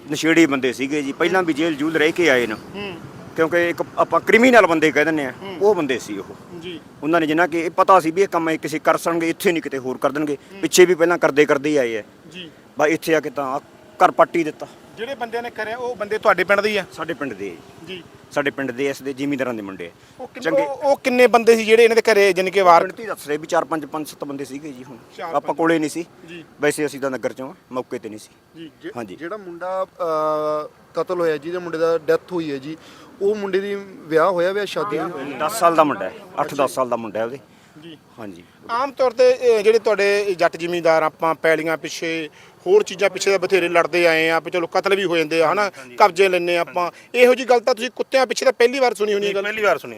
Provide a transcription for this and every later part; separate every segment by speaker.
Speaker 1: ਨਸ਼ੇੜੀ ਬੰਦੇ ਸੀਗੇ ਜੀ, ਪਹਿਲਾਂ ਵੀ ਜੇਲ੍ਹ ਜੂਲ ਰਹਿ ਕੇ ਆਏ ਨੇ, ਕਿਉਂਕਿ ਇੱਕ ਆਪਾਂ ਕ੍ਰਿਮੀਨਲ ਬੰਦੇ ਕਹਿ ਦਿੰਦੇ ਆ, ਉਹ ਬੰਦੇ ਸੀ ਉਹ
Speaker 2: ਜੀ।
Speaker 1: ਉਹਨਾਂ ਨੇ ਜਿੰਨਾ ਕਿ ਇਹ ਪਤਾ ਸੀ ਵੀ ਇਹ ਕੰਮ ਕਿਸੇ ਕਰ ਸਕਣਗੇ, ਇੱਥੇ ਨਹੀਂ ਕਿਤੇ ਹੋਰ ਕਰ ਦੇਣਗੇ, ਪਿੱਛੇ ਵੀ ਪਹਿਲਾਂ ਕਰਦੇ ਹੀ ਆਏ ਆ
Speaker 2: ਜੀ।
Speaker 1: ਬਸ ਇੱਥੇ ਆ ਕੇ ਤਾਂ ਘਰ ਪੱਟੀ ਦਿੱਤਾ।
Speaker 2: ਜਿਹੜੇ ਬੰਦਿਆਂ ਨੇ ਕਰਿਆ ਉਹ ਬੰਦੇ ਤੁਹਾਡੇ ਪਿੰਡ ਦੇ ਹੀ ਆ?
Speaker 1: ਸਾਡੇ ਪਿੰਡ ਦੇ
Speaker 2: ਜੀ।
Speaker 1: ਸਾਡੇ ਪਿੰਡ ਦੇ ਇਸ ਦੇ ਜ਼ਿਮੀਂਦਾਰਾਂ ਦੇ ਮੁੰਡੇ
Speaker 2: ਉਹ ਕਿੰਨੇ ਬੰਦੇ ਸੀ ਜਿਹੜੇ ਇਹਨਾਂ ਦੇ ਘਰੇ ਜਾਣੀ ਕਿ ਵਾਰ?
Speaker 1: ਪਿੰਡ ਦੱਸ ਰਹੇ ਵੀ 4 5 5 7 ਬੰਦੇ ਸੀਗੇ ਜੀ। ਹੁਣ
Speaker 2: 4
Speaker 1: ਆਪਾਂ ਕੋਲੇ ਨਹੀਂ ਸੀ
Speaker 2: ਜੀ।
Speaker 1: ਵੈਸੇ ਅਸੀਂ ਤਾਂ ਨਗਰ ਚੋਂ ਮੌਕੇ ਤੇ ਨਹੀਂ ਸੀ
Speaker 2: ਜੀ।
Speaker 1: ਹਾਂਜੀ।
Speaker 3: ਜਿਹੜਾ ਮੁੰਡਾ ਕਤਲ ਹੋਇਆ, ਜਿਹਦੇ ਮੁੰਡੇ ਦਾ ਡੈਥ ਹੋਈ ਹੈ ਜੀ, ਉਹ ਮੁੰਡੇ ਦੀ ਵਿਆਹ ਹੋਇਆ, ਵਿਆਹ ਸ਼ਾਦੀ
Speaker 1: 10 ਸਾਲ ਦਾ ਮੁੰਡਾ ਹੈ, 8-10 ਸਾਲ ਦਾ ਮੁੰਡਾ ਹੈ ਉਹਦੇ।
Speaker 2: ਜੀ।
Speaker 1: ਹਾਂਜੀ।
Speaker 2: ਆਮ ਤੌਰ ਤੇ ਜਿਹੜੇ ਤੁਹਾਡੇ ਜੱਟ ਜ਼ਿਮੀਂਦਾਰ, ਆਪਾਂ ਪੈਲੀਆਂ ਪਿੱਛੇ ਹੋਰ ਚੀਜ਼ਾਂ ਪਿੱਛੇ ਤਾਂ ਬਥੇਰੇ ਲੜਦੇ ਆਏ ਆ, ਚਲੋ ਕਤਲ ਵੀ ਹੋ ਜਾਂਦੇ ਆ ਹਨਾ, ਕਬਜ਼ੇ ਲੈਣੇ ਆਪਾਂ, ਇਹੋ ਜੀ ਗੱਲ ਤਾਂ ਤੁਸੀਂ ਕੁੱਤਿਆਂ ਪਿੱਛੇ ਤਾਂ ਪਹਿਲੀ ਵਾਰ ਸੁਣੀ ਹੋਣੀ?
Speaker 4: ਪਹਿਲੀ ਵਾਰ ਸੁਣੀ।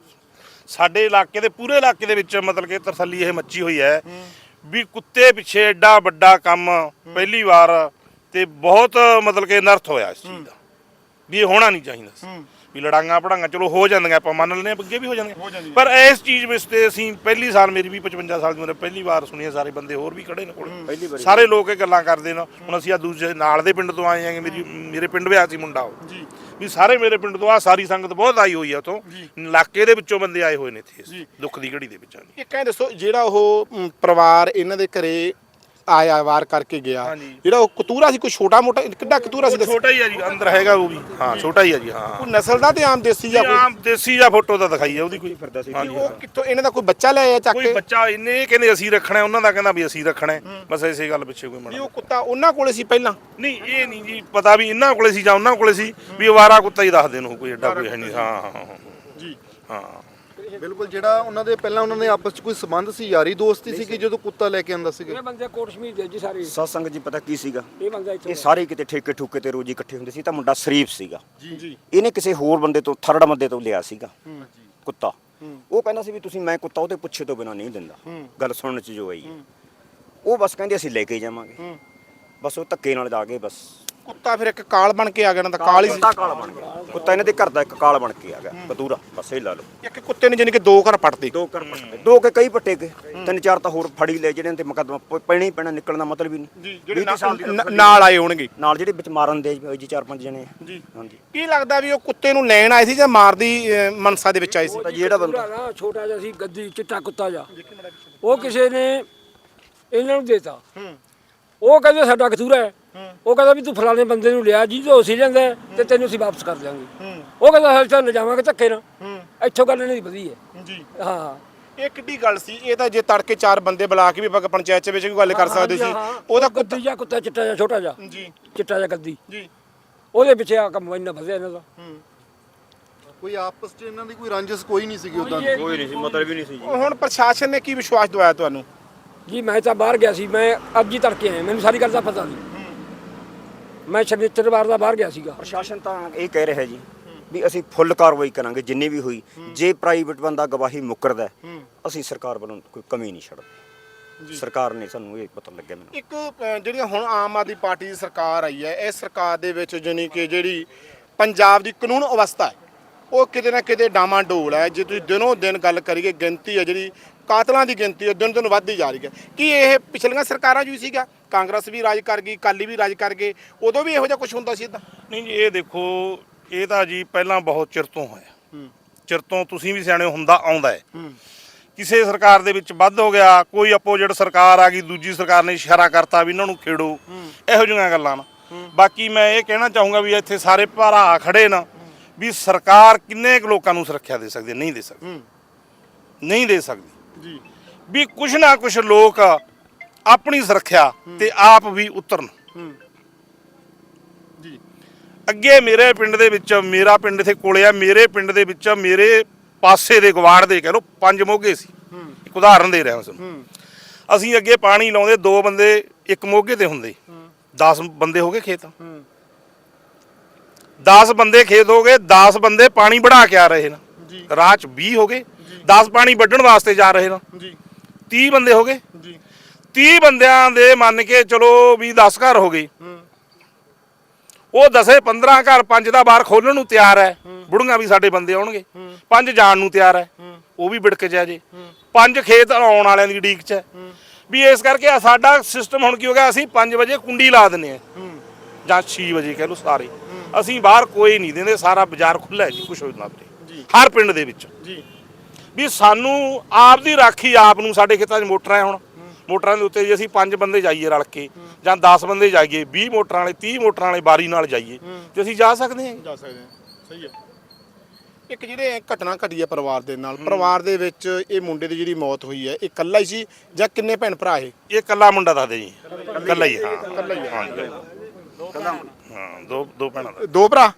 Speaker 4: ਸਾਡੇ ਇਲਾਕੇ ਦੇ ਪੂਰੇ ਇਲਾਕੇ ਦੇ ਵਿੱਚ ਮਤਲਬ ਕਿ ਤਰਸੱਲੀ ਇਹ ਮੱਚੀ ਹੋਈ ਹੈ ਵੀ ਕੁੱਤੇ ਪਿੱਛੇ ਐਡਾ ਵੱਡਾ ਕੰਮ ਪਹਿਲੀ ਵਾਰ, ਤੇ ਬਹੁਤ ਮਤਲਬ ਕਿ ਅਨਰਥ ਹੋਇਆ ਇਸ ਚੀਜ਼ ਦਾ, ਵੀ ਇਹ ਹੋਣਾ ਨਹੀਂ ਚਾਹੀਦਾ ਸੀ। ਵੀ ਲੜਾਈਆਂ ਪੜਾਈਆਂ ਚਲੋ ਹੋ ਜਾਂਦੀਆਂ, ਆਪਾਂ ਮੰਨ ਲੈਂਦੇ ਹਾਂ, ਅੱਗੇ ਵੀ ਹੋ ਜਾਂਦੀਆਂ, ਪਰ ਇਸ ਚੀਜ਼ ਵਿੱਚ ਤੇ ਅਸੀਂ ਪਹਿਲੀ ਸਾਲ, ਮੇਰੀ ਵੀ 55 ਸਾਲ ਦੀ ਉਮਰ, ਪਹਿਲੀ ਵਾਰ ਸੁਣੀ ਹੈ। ਸਾਰੇ ਬੰਦੇ ਹੋਰ ਵੀ ਖੜੇ ਨੇ ਕੋਲ, ਸਾਰੇ ਲੋਕ ਇਹ ਗੱਲਾਂ ਕਰਦੇ ਨੇ। ਹੁਣ ਅਸੀਂ ਆ ਦੂਜੇ ਨਾਲ ਦੇ ਪਿੰਡ ਤੋਂ ਆਏ ਆਂਗੇ, ਮੇਰੇ ਪਿੰਡ ਵਿਆਹ ਸੀ ਮੁੰਡਾ ਉਹ ਵੀ, ਸਾਰੇ ਮੇਰੇ ਪਿੰਡ ਤੋਂ ਆ ਸਾਰੀ ਸੰਗਤ ਬਹੁਤ ਆਈ ਹੋਈ ਆ, ਉੱਥੋਂ ਇਲਾਕੇ ਦੇ ਵਿੱਚੋਂ ਬੰਦੇ ਆਏ ਹੋਏ ਨੇ ਇੱਥੇ ਦੁੱਖ ਦੀ ਘੜੀ ਦੇ ਵਿੱਚ।
Speaker 2: ਇੱਕ ਐਂ ਦੱਸੋ, ਜਿਹੜਾ ਉਹ ਪਰਿਵਾਰ ਇਹਨਾਂ ਦੇ ਘਰੇ ਆਇਆ ਵਾਰ ਕਰਕੇ ਗਿਆ, ਜਿਹੜਾ ਉਹ ਕਤੂਰਾ ਸੀ, ਕੋਈ ਛੋਟਾ ਮੋਟਾ ਕਿੱਡਾ ਕਤੂਰਾ ਸੀ?
Speaker 4: ਛੋਟਾ ਹੀ ਆ ਜੀ, ਅੰਦਰ ਹੈਗਾ ਉਹ ਵੀ। ਹਾਂ ਛੋਟਾ ਹੀ ਆ ਜੀ। ਹਾਂ
Speaker 2: ਕੋਈ ਨਸਲ ਦਾ ਤੇ ਆਮ ਦੇਸੀ ਜਾਂ
Speaker 4: ਆਮ ਦੇਸੀ ਜਾਂ ਫੋਟੋ ਤਾਂ ਦਿਖਾਈ ਆ ਉਹਦੀ ਕੋਈ ਫਿਰਦਾ ਸੀ।
Speaker 2: ਉਹ ਕਿੱਥੋਂ ਇਹਨਾਂ ਦਾ ਕੋਈ ਬੱਚਾ ਲੈ ਆਇਆ ਚੱਕ ਕੇ?
Speaker 4: ਕੋਈ ਬੱਚਾ ਇਹਨੇ ਕਹਿੰਦੇ ਅਸੀਂ ਰੱਖਣਾ, ਉਹਨਾਂ ਦਾ ਕਹਿੰਦਾ ਵੀ ਅਸੀਂ ਰੱਖਣਾ, ਬਸ ਇਸੇ ਗੱਲ ਪਿੱਛੇ ਕੋਈ
Speaker 2: ਉਹ ਕੁੱਤਾ ਉਹਨਾਂ ਕੋਲੇ ਸੀ ਪਹਿਲਾਂ?
Speaker 4: ਨਹੀਂ, ਇਹ ਨਹੀਂ ਜੀ ਪਤਾ ਵੀ ਇਹਨਾਂ ਕੋਲੇ ਸੀ ਜਾਂ ਉਹਨਾਂ ਕੋਲੇ ਸੀ, ਵੀ ਅਵਾਰਾ ਕੁੱਤਾ ਹੀ ਦੱਸਦੇ ਨੇ, ਕੋਈ ਐਡਾ ਕੋਈ ਹੈ ਨਹੀਂ। ਹਾਂ
Speaker 2: ਜੀ।
Speaker 4: ਹਾਂ
Speaker 3: ਬਿਲਕੁਲ। ਜਿਹੜਾ ਉਹਨਾਂ ਦੇ ਪਹਿਲਾਂ ਉਹਨਾਂ ਨੇ ਆਪਸ ਚ ਕੋਈ ਸੰਬੰਧ ਸੀ, ਯਾਰੀ ਦੋਸਤੀ ਸੀ ਕਿ ਜਦੋਂ ਕੁੱਤਾ ਲੈ ਕੇ ਆਂਦਾ ਸੀਗਾ?
Speaker 5: ਇਹ ਬੰਦੇ ਕੋਟ ਸ਼ਮੀਰ ਦੇ ਜੀ ਸਾਰੇ
Speaker 1: ਸਤਸੰਗ ਜੀ। ਪਤਾ ਕੀ ਸੀਗਾ,
Speaker 5: ਇਹ ਬੰਦਾ ਇੱਥੇ
Speaker 1: ਇਹ ਸਾਰੇ ਕਿਤੇ ਠੇਕੇ ਠੂਕੇ ਤੇ ਰੋਜੀ ਇਕੱਠੇ ਹੁੰਦੇ ਸੀ, ਤਾਂ ਮੁੰਡਾ ਸ਼ਰੀਫ ਸੀਗਾ
Speaker 2: ਜੀ।
Speaker 1: ਇਹਨੇ ਕਿਸੇ ਹੋਰ ਬੰਦੇ ਤੋਂ, ਥਰਡ ਬੰਦੇ ਤੋਂ ਲਿਆ ਸੀਗਾ ਕੁੱਤਾ। ਉਹ ਕਹਿੰਦਾ ਸੀ ਵੀ ਤੁਸੀਂ, ਮੈਂ ਕੁੱਤਾ ਉਹਦੇ ਪੁੱਛੇ ਤੋਂ ਬਿਨਾਂ ਨਹੀਂ ਦਿੰਦਾ। ਗੱਲ ਸੁਣਨ ਚ ਜੋ ਆਈ, ਉਹ ਬਸ ਕਹਿੰਦੇ ਅਸੀਂ ਲੈ ਕੇ ਜਾਵਾਂਗੇ, ਬਸ ਉਹ ਧੱਕੇ ਨਾਲ ਜਾ ਕੇ ਬਸ
Speaker 2: ਕੁੱਤਾ ਫਿਰ ਇੱਕ ਕਾਲ ਬਣ ਕੇ ਆ ਗਿਆ, ਨਾ ਤਾਂ ਕਾਲ ਹੀ ਸੀ।
Speaker 1: ਕਾਲ ਬਣ ਗਿਆ ਕੁੱਤਾ, ਇਹਨਾਂ ਦੇ ਘਰ ਦਾ ਇੱਕ ਕਾਲ ਬਣ ਕੇ ਆ ਗਿਆ ਕਤੂਰਾ, ਬਸ ਇਹ ਲਾ ਲਓ।
Speaker 2: ਇੱਕ ਕੁੱਤੇ ਨੇ ਜਾਨੀ ਕਿ 2 ਘਰ ਪੱਟਦੇ।
Speaker 1: 2 ਘਰ ਪੱਟੇ, 2 ਕੇ ਕਈ ਪੱਟੇ ਗਏ, 3-4 ਤਾਂ ਹੋਰ ਫੜੀ ਲੈ, ਜਿਹੜੇ ਤੇ ਮੁਕੱਦਮਾ ਪੈਣਾ ਹੀ ਪੈਣਾ, ਨਿਕਲਣ ਦਾ ਮਤਲਬ ਹੀ ਨਹੀਂ।
Speaker 2: ਜਿਹੜੇ ਨਾਲ ਆਏ ਹੋਣਗੇ,
Speaker 1: ਨਾਲ ਜਿਹੜੇ ਵਿੱਚ ਮਾਰਨ ਦੇ ਜੀ 4-5 ਜਣੇ।
Speaker 2: ਜੀ।
Speaker 1: ਹਾਂਜੀ।
Speaker 2: ਕੀ ਲੱਗਦਾ ਵੀ ਉਹ ਕੁੱਤੇ ਨੂੰ ਲੈਣ ਆਏ ਸੀ ਜਾਂ ਮਾਰਦੀ ਮਨਸਾ ਦੇ ਵਿੱਚ ਆਏ ਸੀ?
Speaker 1: ਜਿਹੜਾ ਬੰਦਾ
Speaker 5: ਨਾ ਛੋਟਾ ਜਿਹਾ ਸੀ, ਗੱਦੀ ਚਿੱਟਾ ਕੁੱਤਾ ਜਿਹਾ, ਉਹ ਕਿਸੇ ਨੇ ਇਹਨਾਂ ਨੂੰ ਦੇਤਾ। ਉਹ ਕਹਿੰਦੇ ਸਾਡਾ ਕਤੂਰਾ ਹੈ, ਉਹ ਕਹਿੰਦਾ ਵੀ ਤੂੰ ਫਲਾਣੇ ਬੰਦੇ ਨੂੰ ਲਿਆ ਜੀ, ਜੋ ਅਸੀਂ ਲੈਂਦਾ ਤੇ ਤੈਨੂੰ ਅਸੀਂ ਵਾਪਸ ਕਰ ਦਿਆਂਗੇ। ਉਹ ਕਹਿੰਦਾ ਅਸੀਂ ਤਾਂ ਲਿਜਾਵਾਂਗੇ ਧੱਕੇ ਨਾਲ। ਇੱਥੋਂ ਗੱਲ ਇਹਨਾਂ ਦੀ ਵਧੀ ਹੈ। ਜੀ। ਹਾਂ।
Speaker 2: ਇਹ ਕਿੱਡੀ ਗੱਲ ਸੀ? ਇਹ ਤਾਂ ਜੇ ਤੜਕੇ 4 ਬੰਦੇ ਬੁਲਾ ਕੇ ਵੀ ਪੰਚਾਇਤ ਚ ਵਿੱਚ ਵੀ ਗੱਲ ਕਰ ਸਕਦੇ ਸੀ। ਉਹਦਾ
Speaker 5: ਗੱਦੀ ਜਿਹਾ ਕੁੱਤਾ ਚਿੱਟਾ ਜਿਹਾ, ਛੋਟਾ ਜਿਹਾ
Speaker 2: ਜੀ,
Speaker 5: ਚਿੱਟਾ ਜਿਹਾ ਗੱਦੀ
Speaker 2: ਜੀ,
Speaker 5: ਉਹਦੇ ਪਿੱਛੇ ਆ ਕੰਮ ਇੰਨਾ ਵਧਿਆ ਇਹਨਾਂ ਦਾ।
Speaker 3: ਕੋਈ ਆਪਸ ਚ ਇਹਨਾਂ ਦੀ ਕੋਈ ਰੰਜਿਸ਼ ਕੋਈ ਨਹੀਂ ਸੀਗੀ ਉਦਾਂ?
Speaker 1: ਕੋਈ ਨਹੀਂ ਸੀ, ਮਤਲਬ ਹੀ ਨਹੀਂ ਸੀ ਜੀ।
Speaker 2: ਹੁਣ ਪ੍ਰਸ਼ਾਸਨ ਨੇ ਕੀ ਵਿਸ਼ਵਾਸ ਦਵਾਇਆ ਤੁਹਾਨੂੰ?
Speaker 5: ਜੀ ਮੈਂ ਤਾਂ ਬਾਹਰ ਗਿਆ ਸੀ, ਮੈਂ ਅੱਜ ਹੀ ਤੜਕੇ ਆਇਆ, ਮੈਨੂੰ ਸਾਰੀ ਗੱਲ ਦਾ ਪਤਾ ਨਹੀਂ। ਮੈਂ ਸ਼ਨੀਚਰਵਾਰ ਦਾ ਬਾਹਰ ਗਿਆ ਸੀਗਾ।
Speaker 1: ਪ੍ਰਸ਼ਾਸਨ ਤਾਂ ਇਹ ਕਹਿ ਰਿਹਾ ਜੀ ਵੀ ਅਸੀਂ ਫੁੱਲ ਕਾਰਵਾਈ ਕਰਾਂਗੇ ਜਿੰਨੀ ਵੀ ਹੋਈ, ਜੇ ਪ੍ਰਾਈਵੇਟ ਬੰਦਾ ਗਵਾਹੀ ਮੁੱਕਰਦਾ ਅਸੀਂ ਸਰਕਾਰ ਵੱਲੋਂ ਕੋਈ ਕਮੀ ਨਹੀਂ ਛੱਡਦੇ। ਸਰਕਾਰ ਨੇ ਸਾਨੂੰ ਇਹ ਪਤਾ ਲੱਗਿਆ। ਮੈਨੂੰ
Speaker 2: ਇੱਕ ਜਿਹੜੀਆਂ ਹੁਣ ਆਮ ਆਦਮੀ ਪਾਰਟੀ ਦੀ ਸਰਕਾਰ ਆਈ ਹੈ, ਇਸ ਸਰਕਾਰ ਦੇ ਵਿੱਚ ਜਾਨੀ ਕਿ ਜਿਹੜੀ ਪੰਜਾਬ ਦੀ ਕਾਨੂੰਨ ਅਵਸਥਾ ਹੈ ਉਹ ਕਿਤੇ ਨਾ ਕਿਤੇ ਡਾਮਾਡੋਲ ਹੈ। ਜੇ ਤੁਸੀਂ ਦਿਨੋਂ ਦਿਨ ਗੱਲ ਕਰੀਏ, ਗਿਣਤੀ ਹੈ ਜਿਹੜੀ ਕਾਤਲਾਂ ਦੀ ਗਿਣਤੀ ਉਹ ਦਿਨ ਦਿਨ ਵੱਧਦੀ ਜਾ ਰਹੀ ਹੈ। ਕੀ ਇਹ ਪਿਛਲੀਆਂ ਸਰਕਾਰਾਂ 'ਚ ਵੀ ਸੀਗਾ? ਕਾਂਗਰਸ ਵੀ ਰਾਜ ਕਰ ਗਈ, ਅਕਾਲੀ ਵੀ ਰਾਜ ਕਰ ਗਏ, ਉਦੋਂ ਵੀ ਇਹੋ ਜਿਹਾ ਕੁਝ ਹੁੰਦਾ ਸੀ ਇੱਦਾਂ?
Speaker 4: ਨਹੀਂ ਜੀ, ਇਹ ਦੇਖੋ, ਇਹ ਤਾਂ ਜੀ ਪਹਿਲਾਂ ਬਹੁਤ ਚਿਰ ਤੋਂ ਹੋਇਆ, ਚਿਰ ਤੋਂ ਤੁਸੀਂ ਵੀ ਸਿਆਣੇ ਹੁੰਦਾ ਆਉਂਦਾ ਹੈ। ਕਿਸੇ ਸਰਕਾਰ ਦੇ ਵਿੱਚ ਵੱਧ ਹੋ ਗਿਆ, ਕੋਈ ਆਪੋਜੀਟ ਸਰਕਾਰ ਆ ਗਈ, ਦੂਜੀ ਸਰਕਾਰ ਨੇ ਇਸ਼ਾਰਾ ਕਰਤਾ ਵੀ ਇਹਨਾਂ ਨੂੰ ਖੇੜੋ, ਇਹੋ ਜਿਹੀਆਂ ਗੱਲਾਂ ਨਾ। ਬਾਕੀ ਮੈਂ ਇਹ ਕਹਿਣਾ ਚਾਹੂੰਗਾ ਵੀ ਇੱਥੇ ਸਾਰੇ ਭਰਾ ਖੜੇ ਨਾ, ਵੀ ਸਰਕਾਰ ਕਿੰਨੇ ਕੁ ਲੋਕਾਂ ਨੂੰ ਸੁਰੱਖਿਆ ਦੇ ਸਕਦੀ? ਨਹੀਂ ਦੇ ਸਕਦੀ, ਨਹੀਂ ਦੇ ਸਕਦੀ ਜੀ। ਵੀ ਕੁਛ ਨਾ ਕੁਛ ਲੋਕ ਆਪਣੀ ਸੁਰੱਖਿਆ ਤੇ ਆਪ ਵੀ ਉਤਰਨ ਜੀ। ਅੱਗੇ ਮੇਰੇ ਪਿੰਡ ਦੇ ਵਿੱਚ, ਮੇਰਾ ਪਿੰਡ ਇੱਥੇ ਕੋਲੇ ਆ, ਮੇਰੇ ਪਿੰਡ ਦੇ ਵਿੱਚ ਮੇਰੇ ਪਾਸੇ ਦੇ ਗਵਾੜ ਦੇ ਕਹਿ ਲਓ 5 ਮੋਗੇ ਸੀ। ਇੱਕ ਉਦਾਹਰਨ ਦੇ ਰਿਹਾ ਹਾਂ ਤੁਹਾਨੂੰ। ਅਸੀਂ ਅੱਗੇ ਪਾਣੀ ਲਾਉਂਦੇ 2 ਬੰਦੇ ਇੱਕ ਮੋਗੇ ਤੇ ਹੁੰਦੇ, 10 ਬੰਦੇ ਹੋ ਗਏ ਖੇਤ, 10 ਬੰਦੇ ਖੇਤ ਹੋ ਗਏ, 10 ਬੰਦੇ ਪਾਣੀ ਵੜਾ ਕੇ ਆ ਰਹੇ ਨੇ, ਰਾਹ 'ਚ 20 ਹੋ ਗਏ, 10 ਪਾਣੀ ਵੱਢਣ ਵਾਸਤੇ ਜਾ ਰਹੇ ਨੇ, 30 ਬੰਦੇ ਹੋ ਗਏ। 30 ਬੰਦਿਆਂ ਦੇ ਮੰਨ ਕੇ ਚਲੋ ਵੀ 10 ਘਰ ਹੋ ਗਏ, ਉਹ 10-15 ਘਰ 5 ਦਾ ਬਾਹਰ ਖੋਲਣ ਨੂੰ ਤਿਆਰ ਹੈ। ਬੁੜੀਆਂ ਵੀ ਸਾਡੇ ਬੰਦੇ ਆਉਣਗੇ, 5 ਜਾਣ ਨੂੰ ਤਿਆਰ ਹੈ, ਉਹ ਵੀ ਵਿੜਕ ਜਾ ਜੇ, 5 ਖੇਤ ਆਉਣ ਵਾਲਿਆਂ ਦੀ ਉਡੀਕ 'ਚ ਹੈ। ਵੀ ਇਸ ਕਰਕੇ ਸਾਡਾ ਸਿਸਟਮ ਹੁਣ ਕੀ ਹੋ ਗਿਆ, ਅਸੀਂ 5 ਵਜੇ ਕੁੰਡੀ ਲਾ ਦਿੰਦੇ ਹਾਂ ਜਾਂ 6 ਵਜੇ ਕਹਿ ਲਓ ਸਾਰੇ। ਅਸੀਂ ਬਾਹਰ ਕੋਈ ਨਹੀਂ ਦਿੰਦੇ, ਸਾਰਾ ਬਾਜ਼ਾਰ ਖੁੱਲ੍ਹਾ ਹੈ ਜੀ ਕੁਛ ਹੋਣਾ ਵੀਰੇ ਹਰ ਪਿੰਡ ਦੇ ਵਿੱਚ
Speaker 2: ਜੀ
Speaker 4: ਵੀ ਸਾਨੂੰ ਆਪ ਦੀ ਰਾਖੀ ਆਪ ਨੂੰ। ਸਾਡੇ ਖੇਤਾਂ 'ਚ ਮੋਟਰਾਂ ਹੈ, ਹੁਣ ਮੋਟਰਾਂ ਦੇ ਉੱਤੇ ਜੇ ਅਸੀਂ 5 ਬੰਦੇ ਜਾਈਏ ਰਲ ਕੇ ਜਾਂ 10 ਬੰਦੇ ਜਾਈਏ, 20 ਮੋਟਰਾਂ ਵਾਲੇ 30 ਮੋਟਰਾਂ ਵਾਲੇ ਬਾਰੀ ਨਾਲ ਜਾਈਏ ਤੇ ਅਸੀਂ ਜਾ ਸਕਦੇ ਹਾਂ।
Speaker 2: ਜਾ ਸਕਦੇ ਹਾਂ, ਸਹੀ ਹੈ। ਇੱਕ ਜਿਹੜੇ ਘਟਨਾ ਘਟੀ ਹੈ ਪਰਿਵਾਰ ਦੇ ਨਾਲ, ਪਰਿਵਾਰ ਦੇ ਵਿੱਚ ਇਹ ਮੁੰਡੇ ਦੀ ਜਿਹੜੀ ਮੌਤ ਹੋਈ ਹੈ, ਇਹ ਇਕੱਲਾ ਹੀ ਸੀ ਜਾਂ ਕਿੰਨੇ ਭੈਣ ਭਰਾ ਇਹ?
Speaker 4: ਇਹ ਇਕੱਲਾ ਮੁੰਡਾ ਦੱਸਦੇ ਜੀ, ਇਕੱਲਾ ਹੀ। ਹਾਂ
Speaker 2: ਇਕੱਲਾ ਹੀ
Speaker 4: ਹਾਂ ਦੋ ਭੈਣਾਂ ਦਾ।
Speaker 2: ਦੋ ਭਰਾ?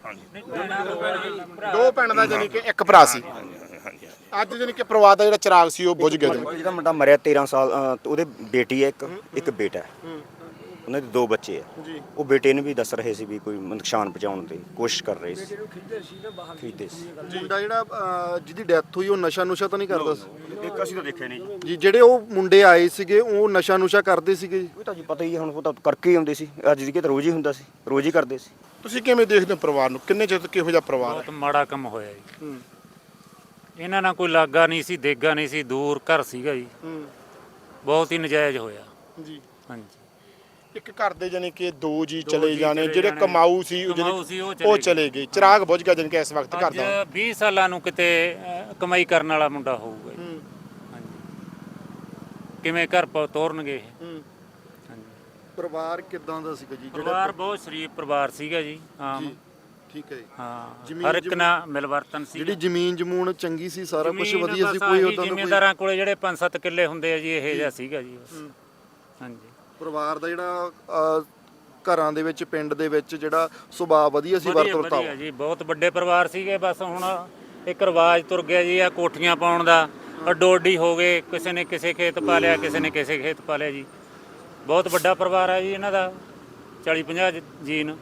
Speaker 2: ਦੋ ਭੈਣਾਂ ਦਾ ਜਾਨੀ ਕਿ ਇੱਕ ਭਰਾ ਸੀ। ਅੱਜ ਜਾਨੀ ਕਿ ਪਰਿਵਾਰ ਦਾ ਜਿਹੜਾ ਚਿਰਾਗ ਸੀ ਉਹ ਬੁਝ ਗਿਆ।
Speaker 1: ਜਿਹਦਾ ਮੁੰਡਾ ਮਰਿਆ 13 ਸਾਲ, ਉਹਦੇ ਬੇਟੀ ਹੈ, ਇੱਕ ਬੇਟਾ ਹੈ। ਉਹਨਾਂ ਦੇ 2 ਬੱਚੇ ਆ। ਉਹ ਬੇਟੇ ਨੂੰ ਵੀ ਦੱਸ ਰਹੇ ਸੀ ਵੀ ਕੋਈ ਨੁਕਸਾਨ ਪਹੁੰਚਾਉਣ ਦੀ ਕੋਸ਼ਿਸ਼ ਕਰ ਰਹੇ ਸੀ, ਖਰੀਦੇ ਸੀ।
Speaker 3: ਮੁੰਡਾ ਜਿਹੜਾ ਜਿਹਦੀ ਡੈਥ ਹੋਈ ਉਹ ਨਸ਼ਾ ਨੁਸ਼ਾ ਤਾਂ ਨਹੀਂ ਕਰਦਾ ਸੀ?
Speaker 1: ਇੱਕ ਅਸੀਂ ਤਾਂ ਦੇਖਿਆ ਨਹੀਂ
Speaker 3: ਜੀ। ਜਿਹੜੇ ਉਹ ਮੁੰਡੇ ਆਏ ਸੀਗੇ ਉਹ ਨਸ਼ਾ ਨੁਸ਼ਾ ਕਰਦੇ ਸੀਗੇ ਜੀ?
Speaker 1: ਉਹ ਤਾਂ ਜੀ ਪਤਾ ਹੀ ਹੈ, ਹੁਣ ਉਹ ਤਾਂ ਕਰਕੇ ਹੀ ਆਉਂਦੇ ਸੀ। ਅੱਜ ਦੀ ਕਿ ਰੋਜ਼ ਹੀ ਹੁੰਦਾ ਸੀ, ਰੋਜ਼ ਹੀ ਕਰਦੇ ਸੀ।
Speaker 2: ਤੁਸੀਂ ਕਿਵੇਂ ਦੇਖਦੇ ਹੋ ਪਰਿਵਾਰ ਨੂੰ? ਕਿੰਨੇ ਚਿਰ ਤੋਂ ਕਿਹੋ ਜਿਹਾ ਪਰਿਵਾਰ
Speaker 6: ਬਹੁਤ ਮਾੜਾ ਕੰਮ ਹੋਇਆ ਜੀ। ਇਹਨਾਂ ਨਾਲ ਕੋਈ ਲਾਗਾ ਨਹੀਂ ਸੀ, ਦੇਗਾ ਨਹੀਂ ਸੀ, ਦੂਰ ਘਰ ਸੀਗਾ ਜੀ। ਬਹੁਤ ਹੀ ਨਜਾਇਜ਼ ਹੋਇਆ
Speaker 2: ਜੀ।
Speaker 6: ਹਾਂਜੀ।
Speaker 2: ਇੱਕ ਘਰ ਦੇ ਜਾਨੀ ਕਿ 2 ਜੀ ਚਲੇ ਜਾਣੇ, ਜਿਹੜੇ ਕਮਾਊ ਸੀ ਉਹ ਚਲੇ ਗਏ। ਚਿਰਾਗ ਬੁਝ ਗਿਆ ਜਾਨੀ ਕਿ ਇਸ ਵਕਤ ਘਰ
Speaker 6: ਅੱਜ
Speaker 2: ਦਾ।
Speaker 6: 20 ਸਾਲਾਂ ਨੂੰ ਕਿਤੇ ਕਮਾਈ ਕਰਨ ਵਾਲਾ ਮੁੰਡਾ ਹੋਊਗਾ ਜੀ। ਹਾਂਜੀ। ਕਿਵੇਂ ਘਰ ਤੋਰਨਗੇ ਇਹ? ਹਾਂਜੀ।
Speaker 3: ਪਰਿਵਾਰ ਕਿਦਾਂ ਦਾ ਸੀਗਾ ਜੀ?
Speaker 6: ਪਰਿਵਾਰ ਬਹੁਤ ਸ਼ਰੀਫ ਪਰਿਵਾਰ ਸੀਗਾ ਜੀ। ਆਮ।
Speaker 3: ਠੀਕ ਹੈ ਜੀ।
Speaker 6: ਹਾਂ, ਹਰ ਇੱਕ ਨਾਲ ਮਿਲਵਰਤਨ ਸੀ।
Speaker 3: ਜਿਹੜੀ ਜ਼ਮੀਨ ਜਮੂਨ ਚੰਗੀ ਸੀ, ਸਾਰਾ ਕੁਝ
Speaker 6: ਜ਼ਮੀਨ
Speaker 3: ਵਧੀਆ ਸੀ,
Speaker 6: ਬਸ
Speaker 3: ਕੋਈ
Speaker 6: ਆਹੀ
Speaker 3: ਉਦਾਂ ਦਾ
Speaker 6: ਜ਼ਿਮੀਂਦਾਰਾਂ ਕੋਲੇ ਜਿਹੜੇ 5-7 ਕਿੱਲੇ ਹੁੰਦੇ ਆ ਜੀ, ਇਹ ਜਿਹਾ ਸੀਗਾ ਜੀ ਬਸ। ਹਾਂਜੀ।
Speaker 3: ਪਰਿਵਾਰ ਦਾ ਜਿਹੜਾ ਘਰਾਂ ਦੇ ਵਿੱਚ ਪਿੰਡ ਦੇ ਵਿੱਚ ਜਿਹੜਾ ਸੁਭਾਅ ਵਧੀਆ ਸੀ, ਵਰਤਵਰਤਾ
Speaker 6: ਵਧੀਆ ਜੀ, ਬਹੁਤ ਵੱਡੇ ਪਰਿਵਾਰ ਸੀਗੇ। ਬਸ ਹੁਣ ਇੱਕ ਰਿਵਾਜ ਤੁਰ ਗਿਆ ਜੀ ਆ ਕੋਠੀਆਂ ਪਾਉਣ ਦਾ, ਅੱਡੋ ਅੱਡੀ ਹੋ ਗਏ। ਕਿਸੇ ਨੇ ਕਿਸੇ ਖੇਤ ਪਾ ਲਿਆ, ਕਿਸੇ ਨੇ ਕਿਸੇ ਖੇਤ ਪਾ ਲਿਆ ਜੀ। ਬਹੁਤ ਵੱਡਾ ਪਰਿਵਾਰ ਹੈ ਜੀ ਇਹਨਾਂ ਦਾ, 40-50 ਜੀਨ।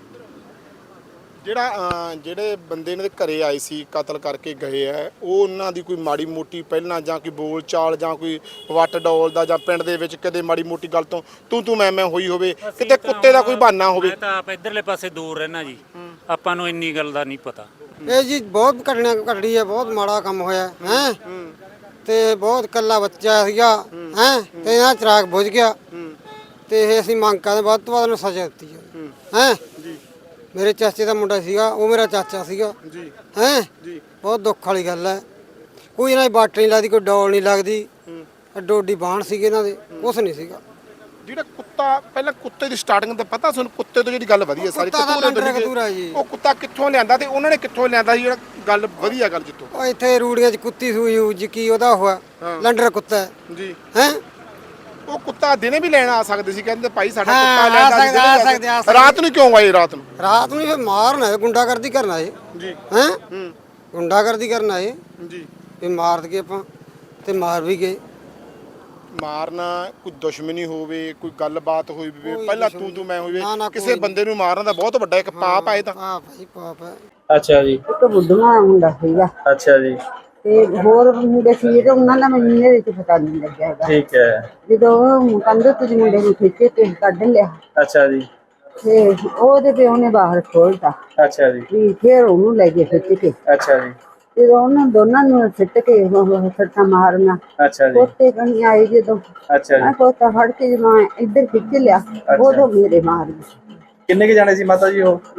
Speaker 2: ਜਿਹੜੇ ਬੰਦੇ ਇਹਨਾਂ ਦੇ ਘਰੇ ਆਏ ਸੀ, ਕਤਲ ਕਰਕੇ ਗਏ ਆ, ਉਹ ਉਹਨਾਂ ਦੀ ਕੋਈ ਮਾੜੀ ਮੋਟੀ ਪਹਿਲਾਂ ਜਾਂ ਕੋਈ ਬੋਲ ਚਾਲ ਜਾਂ ਕੋਈ ਵੱਟ ਡੋਲ ਦਾ ਜਾਂ ਪਿੰਡ ਦੇ ਵਿੱਚ ਕਦੇ ਮਾੜੀ ਮੋਟੀ ਗੱਲ ਤੋਂ ਤੂੰ ਮੈਂ ਹੋਈ ਹੋਵੇ, ਕਿਤੇ ਕੁੱਤੇ ਦਾ ਕੋਈ ਬਹਾਨਾ ਹੋਵੇ?
Speaker 6: ਮੈਂ ਤਾਂ ਆਪ ਇਧਰਲੇ ਪਾਸੇ ਦੂਰ ਰਹਿਣਾ ਜੀ, ਆਪਾਂ ਨੂੰ ਇੰਨੀ ਗੱਲ ਦਾ ਨਹੀਂ ਪਤਾ।
Speaker 7: ਇਹ ਜੀ ਬਹੁਤ ਘਟੜੀ ਹੈ, ਬਹੁਤ ਮਾੜਾ ਕੰਮ ਹੋਇਆ ਹੈ। ਤੇ ਬਹੁਤ ਕੱਲਾ ਬੱਚਾ ਸੀਗਾ ਹੈ, ਤੇ ਇਹਨਾਂ ਚਿਰਾਗ ਬੁਝ ਗਿਆ। ਤੇ ਇਹ ਅਸੀਂ ਮੰਗ ਕਰਦੇ ਵੱਧ ਤੋਂ ਵੱਧ ਨੂੰ ਸਜ਼ਾ ਦਿੱਤੀ ਜਾਵੇ ਹੈ। ਮੇਰੇ ਚਾਚੇ ਦਾ ਮੁੰਡਾ ਸੀਗਾ, ਉਹ ਮੇਰਾ ਚਾਚਾ ਸੀਗਾ ਜੀ ਹੈ। ਬਹੁਤ ਦੁੱਖ ਵਾਲੀ ਗੱਲ ਹੈ। ਕੋਈ ਇਹਨਾਂ ਦੀ ਬਾਟ ਨਹੀਂ ਲੱਗਦੀ, ਕੋਈ ਡੋਲ ਨਹੀਂ ਲੱਗਦੀ, ਅੱਡੋ ਅੱਡੀ ਬਾਣ ਸੀਗੇ ਇਹਨਾਂ ਦੇ, ਕੁਛ ਨਹੀਂ ਸੀਗਾ।
Speaker 2: ਜਿਹੜਾ ਕੁੱਤਾ, ਪਹਿਲਾਂ ਕੁੱਤੇ ਦੀ ਸਟਾਰਟਿੰਗ ਤਾਂ ਪਤਾ ਤੁਹਾਨੂੰ? ਕੁੱਤੇ ਤੋਂ ਜਿਹੜੀ ਗੱਲ ਵਧੀਆ ਸਾਰੀ
Speaker 7: ਕਤੂਰਾ ਜੀ।
Speaker 2: ਉਹ ਕੁੱਤਾ ਕਿੱਥੋਂ ਲਿਆਂਦਾ ਤੇ ਉਹਨਾਂ ਨੇ ਕਿੱਥੋਂ ਲਿਆਂਦਾ ਸੀ? ਜਿਹੜਾ ਗੱਲ ਵਧੀਆ ਗੱਲ ਜਿੱਤੋਂ
Speaker 7: ਉਹ ਇੱਥੇ ਰੂੜੀਆਂ 'ਚ ਕੁੱਤੀ ਸੂਈ ਹੋਊ ਜੀ, ਕੀ ਉਹਦਾ ਹੋਇਆ ਲੰਡਰ ਕੁੱਤਾ
Speaker 2: ਜੀ
Speaker 7: ਹੈ।
Speaker 2: ਉਹ ਕੁੱਤਾ ਦਿਨੇ ਵੀ ਲੈਣ ਆ ਸਕਦੇ ਸੀ, ਕਹਿੰਦੇ ਭਾਈ ਸਾਡਾ
Speaker 7: ਹਾਂ,
Speaker 2: ਕੁੱਤਾ
Speaker 7: ਆ
Speaker 2: ਲੈਂਦਾ। ਰਾਤ ਨੂੰ ਕਿਉਂ ਆਏ? ਰਾਤ ਨੂੰ
Speaker 7: ਫਿਰ ਮਾਰਨਾ, ਗੁੰਡਾਗਰਦੀ ਕਰਨਾ ਏ
Speaker 2: ਜੀ
Speaker 7: ਹੈ। ਗੁੰਡਾਗਰਦੀ ਕਰਨਾ ਏ
Speaker 2: ਜੀ।
Speaker 7: ਵੀ ਮਾਰ ਦਈਏ ਆਪਾਂ, ਤੇ ਮਾਰ ਵੀ ਗਏ।
Speaker 2: ਮਾਰਨਾ ਕੋਈ ਦੁਸ਼ਮਣੀ ਹੋਵੇ, ਕੋਈ ਗੱਲਬਾਤ ਹੋਈ ਹੋਵੇ, ਪਹਿਲਾਂ ਤੂੰ ਮੈਂ ਹੋਵੇ,
Speaker 7: ਨਾ,
Speaker 2: ਕਿਸੇ ਬੰਦੇ ਨੂੰ ਮਾਰਨਾ ਤਾਂ ਬਹੁਤ ਵੱਡਾ ਇੱਕ ਪਾਪ ਆ। ਇਹ ਤਾਂ
Speaker 7: ਪਾਪ ਹੈ, ਪਾਪ ਹੈ।
Speaker 8: ਅੱਛਾ ਜੀ।
Speaker 9: ਇੱਕ ਬੁੱਢਾ ਮੁੰਡਾ ਸੀਗਾ
Speaker 8: ਅੱਛਾ ਜੀ।
Speaker 9: ਤੇ ਹੋਰ ਮੁੰਡੇ ਸੀ ਜਿਹੜੇ ਉਹਨਾਂ ਦਾ ਮੈਨੂੰ ਇਹਦੇ ਵਿੱਚ ਪਤਾ ਨਹੀਂ ਲੱਗਿਆ ਹੈਗਾ।
Speaker 8: ਠੀਕ ਹੈ।
Speaker 9: ਜਦੋਂ ਕੰਧ ਤੋਂ ਮੁੰਡੇ ਨੂੰ ਖਿੱਚੇ ਤੇ ਕੱਢ ਲਿਆ,
Speaker 8: ਅੱਛਾ ਜੀ।
Speaker 9: ਤੇ ਉਹਦੇ ਪਿਓ ਨੇ ਬਾਹਰ ਖੋਲਤਾ
Speaker 8: ਅੱਛਾ ਜੀ।
Speaker 9: ਵੀ ਫਿਰ ਉਹਨੂੰ ਲੈ ਕੇ ਖਿੱਚ ਕੇ,
Speaker 8: ਅੱਛਾ ਜੀ।
Speaker 9: ਜਦੋਂ ਉਹਨਾਂ ਦੋਨਾਂ ਨੂੰ ਸਿੱਟ ਕੇ ਸੱਟਾਂ ਮਾਰਨਾ,
Speaker 8: ਅੱਛਾ ਜੀ।
Speaker 9: ਪੋਤੇ ਕਣੀ ਆਏ ਜਦੋਂ,
Speaker 8: ਅੱਛਾ ਜੀ।
Speaker 9: ਮੈਂ ਪੋਤਾ ਫੜ ਕੇ ਜਦੋਂ ਮੈਂ ਇੱਧਰ ਖਿੱਚ ਲਿਆ, ਉਦੋਂ ਮੇਰੇ ਮਾਰ ਗਈ।
Speaker 8: ਕਿੰਨੇ ਕੇ ਜਾਣੇ ਸੀ ਮਾਤਾ ਜੀ ਉਹ?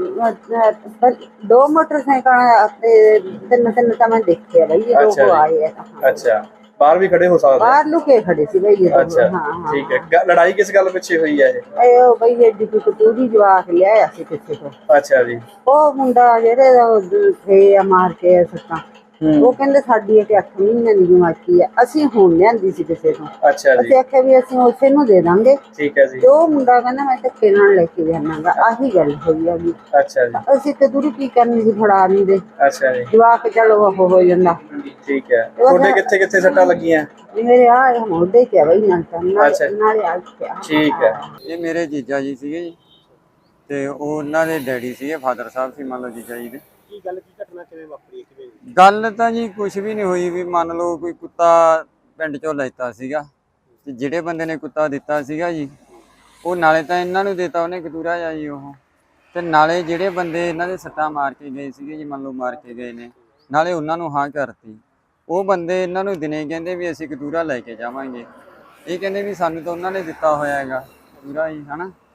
Speaker 9: 2 ਮੋਟਰਸਾਈਕਲ ਤੇ ਤਿੰਨ ਤਾਂ ਮੈਂ ਦੇਖਿਆ ਬਈ, ਇਹ
Speaker 8: ਅੱਛਾ
Speaker 9: ਲੋਕ
Speaker 8: ਜੀ।
Speaker 9: ਆਏ ਆ।
Speaker 8: ਅੱਛਾ, ਬਾਹਰ ਵੀ ਖੜੇ ਹੋ ਸਕਦੇ?
Speaker 9: ਬਾਹਰ ਲੁਕੇ ਖੜੇ ਸੀ ਬਈ ਇਹ।
Speaker 8: ਅੱਛਾ,
Speaker 9: ਹਾਂ
Speaker 8: ਠੀਕ ਹੈ। ਲੜਾਈ ਕਿਸ ਗੱਲ ਪਿੱਛੇ ਹੋਈ ਹੈ ਇਹ?
Speaker 9: ਇਹ ਬਈ ਐਡੀ ਕੋਈ ਕਤੂਰੀ ਜਵਾਕ ਲਿਆਇਆ ਸੀ ਕਿਸੇ ਤੋਂ।
Speaker 8: ਅੱਛਾ ਜੀ।
Speaker 9: ਉਹ ਮੁੰਡਾ ਜਿਹੜੇ ਥੇ ਆ ਮਾਰ ਕੇ ਸੱਤਾਂ, ਉਹ ਕਹਿੰਦੇ ਸਾਡੀ ਇਹ 8 ਮਹੀਨਿਆਂ ਦੀ ਜਮਾਤੀ ਹੈ, ਅਸੀਂ ਹੁਣ ਲਿਆਂਦੀ ਸੀ ਕਿਸੇ ਤੋਂ।
Speaker 8: ਅੱਛਾ ਜੀ।
Speaker 9: ਅਸੀਂ ਆਖਿਆ ਵੀ ਅਸੀਂ ਉਸੇ ਨੂੰ ਦੇ ਦਾਂਗੇ।
Speaker 8: ਠੀਕ ਹੈ ਜੀ।
Speaker 9: ਤੇ ਉਹ ਮੁੰਡਾ ਕਹਿੰਦਾ ਮੈਂ ਧੱਕੇ ਨਾਲ ਲੈ ਕੇ ਜਾਵਾਂਗਾ। ਆਹੀ ਗੱਲ ਹੋਈ ਆ ਜੀ।
Speaker 8: ਅੱਛਾ ਜੀ।
Speaker 9: ਅਸੀਂ ਕਤੂਰੀ ਕੀ ਕਰਨੀ ਸੀ, ਫੜਾ ਨਹੀਂ ਦੇ
Speaker 8: ਅੱਛਾ ਜੀ।
Speaker 9: ਜਵਾਕ ਚਲੋ ਉਹ ਹੋ ਜਾਂਦਾ।
Speaker 8: ਠੀਕ ਹੈ। ਤੁਹਾਡੇ ਕਿੱਥੇ ਕਿੱਥੇ ਸੱਟਾਂ ਲੱਗੀਆਂ?
Speaker 9: ਮੇਰੇ ਆ ਮੋਢੇ ਤੇ ਬਈ ਨਾਲ
Speaker 8: ਅੱਛਾ।
Speaker 9: ਨਾਲੇ ਆ ਗਿਆ।
Speaker 8: ਠੀਕ ਹੈ।
Speaker 10: ਇਹ ਮੇਰੇ ਜੀਜਾ ਜੀ ਸੀਗੇ ਜੀ, ਤੇ ਉਹ ਉਹਨਾਂ ਦੇ ਡੈਡੀ ਸੀਗੇ, ਫਾਦਰ ਸਾਹਿਬ ਸੀ ਮੰਨ ਲਓ ਜੀਜਾ ਜੀ ਦੇ।
Speaker 2: ਕੀ ਗੱਲ, ਕੀ ਘਟਨਾ ਕਿਵੇਂ ਵਾਪਰੀ?
Speaker 10: ਗੱਲ ਤਾਂ ਜੀ ਕੁਝ ਵੀ ਨਹੀਂ ਹੋਈ, ਵੀ ਮੰਨ ਲਓ ਕੋਈ ਕੁੱਤਾ ਪਿੰਡ ਚੋਂ ਲੈਤਾ ਸੀਗਾ, ਤੇ ਜਿਹੜੇ ਬੰਦੇ ਨੇ ਕੁੱਤਾ ਦਿੱਤਾ ਸੀਗਾ ਜੀ, ਉਹ ਨਾਲੇ ਤਾਂ ਇਹਨਾਂ ਨੂੰ ਦਿੱਤਾ ਉਹਨੇ ਕਤੂਰਾ ਜਾ ਜੀ ਉਹ, ਤੇ ਨਾਲੇ ਜਿਹੜੇ ਬੰਦੇ ਇਹਨਾਂ ਦੇ ਸੱਟਾਂ ਮਾਰ ਕੇ ਗਏ ਸੀਗੇ ਜੀ, ਮੰਨ ਲਓ ਮਾਰ ਕੇ ਗਏ ਨੇ, ਨਾਲੇ ਉਹਨਾਂ ਨੂੰ ਹਾਂ ਕਰਤੀ। ਉਹ ਬੰਦੇ ਇਹਨਾਂ ਨੂੰ ਦਿਨੇ ਕਹਿੰਦੇ ਵੀ ਅਸੀਂ ਕਤੂਰਾ ਲੈ ਕੇ ਜਾਵਾਂਗੇ, ਇਹ ਕਹਿੰਦੇ ਵੀ ਸਾਨੂੰ ਤਾਂ ਉਹਨਾਂ ਨੇ ਦਿੱਤਾ ਹੋਇਆ ਹੈਗਾ ਕਤੂਰਾ ਜੀ, ਹਨਾ।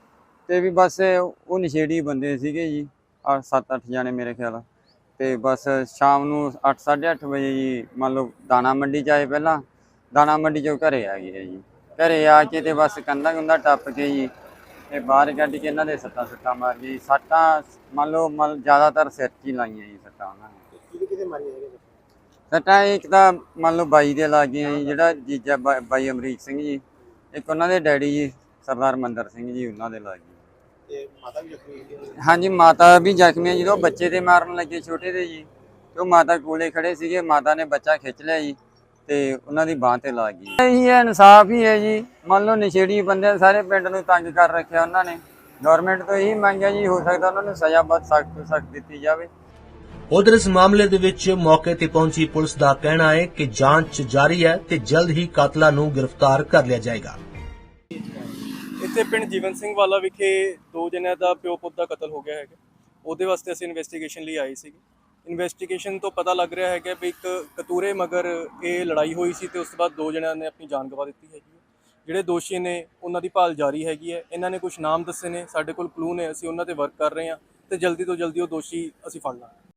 Speaker 10: ਤੇ ਵੀ ਬਸ ਉਹ ਨਸ਼ੇੜੀ ਬੰਦੇ ਸੀਗੇ ਜੀ 7-8 ਜਾਣੇ ਮੇਰੇ ਖਿਆਲ। ਤੇ ਬਸ ਸ਼ਾਮ ਨੂੰ 8-8:30 ਵਜੇ ਜੀ ਮੰਨ ਲਓ ਦਾਣਾ ਮੰਡੀ 'ਚ ਆਏ, ਪਹਿਲਾਂ ਦਾਣਾ ਮੰਡੀ 'ਚੋਂ ਘਰੇ ਆ ਗਏ ਜੀ। ਘਰੇ ਆ ਕੇ ਤੇ ਬਸ ਕੰਧਾਂ ਟੱਪ ਕੇ ਜੀ ਤੇ ਬਾਹਰ ਕੱਢ ਕੇ ਇਹਨਾਂ ਦੇ ਸੱਟਾਂ ਮਾਰ ਗਈ। ਸੱਟਾਂ ਮੰਨ ਲਓ ਜ਼ਿਆਦਾਤਰ ਸਿਰ 'ਚ ਹੀ ਲਾਈਆਂ ਜੀ ਸੱਟਾਂ ਉਹਨਾਂ ਨੇ।
Speaker 2: ਕਿਹਦੇ ਮਾਰੀਆਂ ਹੈਗੇ?
Speaker 10: ਸੱਟਾਂ ਇੱਕ ਤਾਂ ਮੰਨ ਲਓ ਬਾਈ ਦੇ ਲੱਗ ਗਈਆਂ ਜੀ, ਜਿਹੜਾ ਜੀਜਾ ਬਾਈ ਅਮਰੀਕ ਸਿੰਘ ਜੀ, ਇੱਕ ਉਹਨਾਂ ਦੇ ਡੈਡੀ ਜੀ ਸਰਦਾਰ ਮੰਦਰ ਸਿੰਘ ਜੀ, ਉਹਨਾਂ ਦੇ ਲੱਗ ਗਈ।
Speaker 2: ਤੇ ਮਾਤਾ ਵੀ ਜ਼ਖਮੀ ਹੋਈ?
Speaker 10: ਹਾਂਜੀ, ਮਾਤਾ ਵੀ ਜ਼ਖਮੀ ਹੈ। ਜਦੋਂ ਬੱਚੇ ਦੇ ਮਾਰਨ ਲੱਗੇ ਛੋਟੇ ਦੇ ਜੀ, ਤੇ ਉਹ ਮਾਤਾ ਕੋਲੇ ਖੜੇ ਸੀਗੇ, ਮਾਤਾ ਨੇ ਬੱਚਾ ਖਿੱਚ ਲਿਆ ਜੀ ਤੇ ਉਹਨਾਂ ਦੀ ਬਾਂਹ ਤੇ ਲੱਗ ਗਈ। ਇਹੀ ਹੈ, ਇਨਸਾਫ ਹੀ ਹੈ ਜੀ। ਮੰਨ ਲਓ ਨਸ਼ੇੜੀ ਬੰਦੇ ਸਾਰੇ ਪਿੰਡ ਨੂੰ ਤੰਗ ਕਰ ਰੱਖਿਆ ਉਹਨਾਂ ਨੇ। ਗਵਰਨਮੈਂਟ ਤੋਂ ਇਹੀ ਮੰਗਿਆ ਜੀ, ਹੋ ਸਕਦਾ ਉਹਨਾਂ ਨੂੰ ਸਜ਼ਾ ਬਹੁਤ ਸਖਤ ਤੋਂ ਸਖਤ ਦਿੱਤੀ ਜਾਵੇ।
Speaker 11: ਉਧਰ ਇਸ ਮਾਮਲੇ ਦੇ ਵਿੱਚ ਮੌਕੇ ਤੇ ਪਹੁੰਚੀ ਪੁਲਿਸ ਦਾ ਕਹਿਣਾ ਹੈ ਕਿ ਜਾਂਚ ਜਾਰੀ ਹੈ ਤੇ ਜਲਦ ਹੀ ਕਾਤਲਾਂ ਨੂੰ ਗ੍ਰਿਫਤਾਰ ਕਰ ਲਿਆ ਜਾਏਗਾ।
Speaker 12: ਇੱਥੇ ਪਿੰਡ ਜੀਵਨ ਸਿੰਘ ਵਾਲਾ ਵਿਖੇ 2 ਜਣਿਆਂ ਦਾ ਪਿਓ ਪੁੱਤ ਦਾ ਕਤਲ ਹੋ ਗਿਆ ਹੈਗਾ। ਉਹਦੇ ਵਾਸਤੇ ਅਸੀਂ ਇਨਵੈਸਟੀਗੇਸ਼ਨ ਲਈ ਆਏ ਸੀਗੇ। ਇਨਵੈਸਟੀਗੇਸ਼ਨ ਤੋਂ ਪਤਾ ਲੱਗ ਰਿਹਾ ਹੈਗਾ ਵੀ ਇੱਕ ਕਤੂਰੇ ਮਗਰ ਇਹ ਲੜਾਈ ਹੋਈ ਸੀ ਤੇ ਉਸ ਤੋਂ ਬਾਅਦ 2 ਜਣਿਆਂ ਨੇ ਆਪਣੀ ਜਾਨ ਗਵਾ ਦਿੱਤੀ ਹੈਗੀ ਹੈ। ਜਿਹੜੇ ਦੋਸ਼ੀ ਨੇ ਉਹਨਾਂ ਦੀ ਭਾਲ ਜਾਰੀ ਹੈਗੀ ਹੈ। ਇਹਨਾਂ ਨੇ ਕੁਝ ਨਾਮ ਦੱਸੇ ਨੇ, ਸਾਡੇ ਕੋਲ ਕਲੂ ਨੇ, ਅਸੀਂ ਉਹਨਾਂ ਤੇ ਵਰਕ ਕਰ ਰਹੇ ਹਾਂ ਤੇ ਜਲਦੀ ਤੋਂ ਜਲਦੀ ਉਹ ਦੋਸ਼ੀ ਅਸੀਂ ਫੜ ਲਾਂਗੇ।